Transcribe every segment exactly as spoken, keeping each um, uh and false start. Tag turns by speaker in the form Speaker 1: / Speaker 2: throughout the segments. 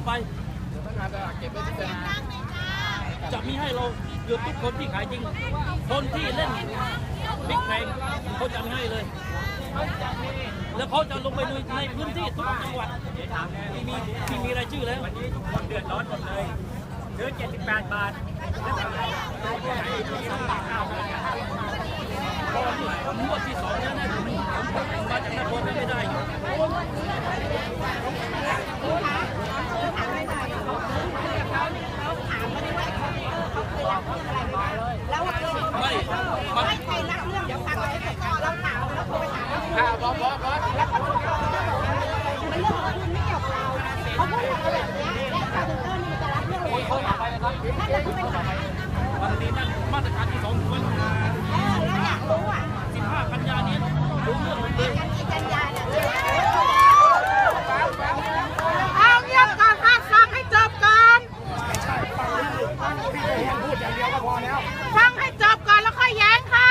Speaker 1: ไปจะมีให้เราเกือบทุกคนที่ขายจริงคนที่เล่นบิ๊กแพงเขาจะไม่ให้เลยแล้วเขาจะลงไปในพื้นที่ทุกจังหวัดที่มีที่มีรายชื่อแล้ววันนี้ทุกคนเดือดร้อนหมดเลยซื้อเจ็ดสิบแปดบาทผมงวดที่สองแล้วนะผมมาจากนครไม่ได้
Speaker 2: แล้วไม่ไม่ใครรักเรื่องเดี๋ยวฟังเราให้จบก่อนเราถามแล้วโทรไปถามแล้วค่ะบอสบอสบอสแล้วเขาบอกมันเรื่องของคุณไม่เกี่ยวกับเราเขาพูดอะไรแบบนี้และคาร์เตอร์นี่จะรับเรื่องอะไรเขานั่นแหละคือปัญหา
Speaker 1: วันนี้นั่นมาตรการที่สองวัน
Speaker 2: เออแล้วอยากรู้อ่ะ
Speaker 1: สิบห้ากันยานี้รู้เรื่องหมดเลย
Speaker 2: กันกี่กันยาเนี่ย
Speaker 3: เอาเงียบก่อนค่ะฟังให้จบก่อน
Speaker 4: พูดอย่างเดียวก็พอแล้ว
Speaker 3: ฟังให้จบก่อนแล้วค่อยแย้งค่ะ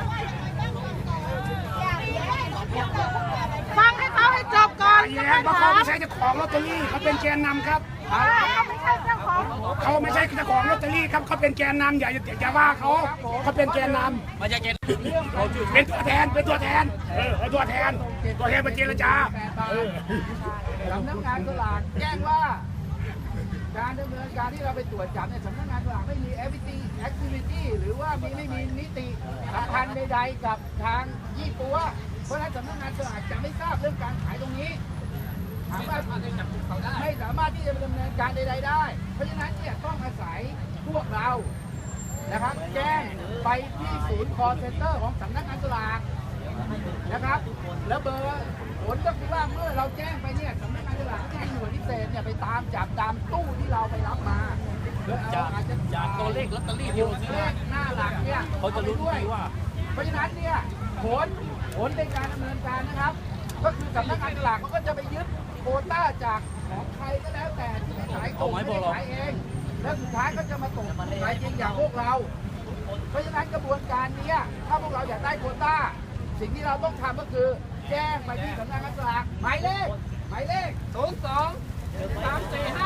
Speaker 3: ฟังให้เขาให้จบก่อน
Speaker 4: แย้งเพราะเขาไม่ใช่เจ้าของลอตเตอรี่เขาเป็นแกนนำครับ
Speaker 3: เขาไม่ใช่เจ้าของ
Speaker 4: เขาไม่ใช่เจ้าของลอตเตอรี่ครับเขาเป็นแกนนำอย่าอย่าว่าเขาเขาเป็นแกนนำ
Speaker 1: มาจากแกน
Speaker 4: เป็นตัวแทนเป็นตัวแทนเออเป็นตัวแทนตัวแทนมาเจรจา
Speaker 5: สำนักงานสลากแจ้งว่าการดำเนินการที่เราไปตรวจจับในสำนักงานสลากไม่มี activity activity หรือว่ามีไม่มีนิติสัมพันธ์ใดๆกับทางยี่ปัวเพราะฉะนั้นสำนักงานสลากจะไม่ทราบเรื่องการขายตรงนี้ถามว่าไม่สามารถที่จะดำเนินการใดๆได้เพราะฉะนั้นเนี่ยต้องอาศัยพวกเรานะครับแจ้งไปที่ศูนย์ call center ของสำนักงานสลากนะครับแล้วเบอร์ผลก็คือว่าเมื่อเราแจ้งไปเนี่ยสำนักงานสลากแจ้งหน่วยพิเศษเนี่ยไปตามจับตามตู้ที่เราไปรับมา
Speaker 1: จากจากตัวเลขลอตเตอรี่ที่เราซื้อ
Speaker 5: หน้าหลักเนี่ย
Speaker 1: เขาจะรู้ด้วยว่า
Speaker 5: เพราะฉะนั้นเนี่ยผลผลในการดำเนินการนะครับ ก็คือสำนักงานสลากเขาก็จะไปยึดโควต้าจากของใครก็แล้วแต่ที่ไม่ขายตรงไม่ขายเองแล้วสุดท้ายก็จะมาตกขายจริงอย่างพวกเราเพราะฉะนั้นกระบวนการนี้ถ้าพวกเราอยากได้โควต้าสิ่งที่เราต้องทำก็คือแจ้งไปที่สำนักงานสลากหมายเลขหมายเลขศูนย์สองสามสี่ห้า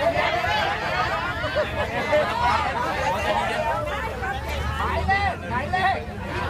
Speaker 5: หมายเลขหมายเลข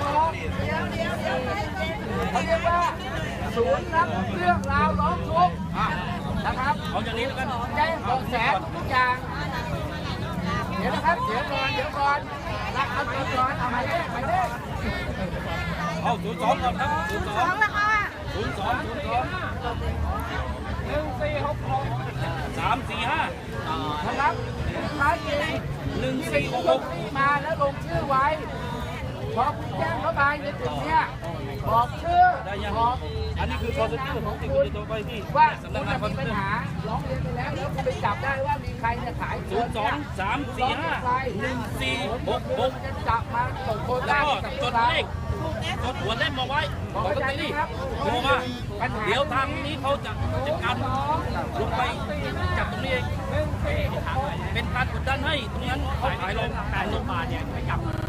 Speaker 5: เขาเรียกว่าศูนย์รับเรื่องราวร้องทุกข์นะครับ
Speaker 1: เอาอย่างนี้แล้วกัน
Speaker 5: แจ้งเบาะแสทุกอย่างเดี๋ยวนะครับเดี๋ยวก่อนเดี๋ยวก่อนรักเอาตัวก่อนเอาหมายเลขหมายเลข
Speaker 1: เอาศูนย์สองก่อนครับศูนย์สอง
Speaker 3: แล้วค่ะ
Speaker 1: ศูนย์สองศูนย์สองหนึ่งสี่หกหกสามสี่ห้า
Speaker 5: นะครับท้ายจริง
Speaker 1: หนึ่งสี่หกหก
Speaker 5: มาแล้วลงชื่อไว้พอคุณแจ้งเข้าไปในจุดเนี้ยบอกชื่อบอก
Speaker 1: อันนี้คือคอนเซ็ปต์ของที่คุณจะตัวไปที่
Speaker 5: ว่าคุณมีปัญหาร้องเรียนไปแล้วแล้วคุณไปจับได้ว่ามีใครเนี่ยขาย
Speaker 1: ศูนย์สองสามสี่ห้าหนึ่งสี่หกหก
Speaker 5: จะจับมาส่งโคต้า
Speaker 1: กับจดเลขจดหัวเล่มมาไว้บอกลอตเตอรี่โทรมาเดี๋ยวทางนี้เขาจะจัดการลงไปจับตรงนี้เองเป็นการกดดันให้ตรงนั้นเขาขายลงขายลงมาเนี่ยไม่จับ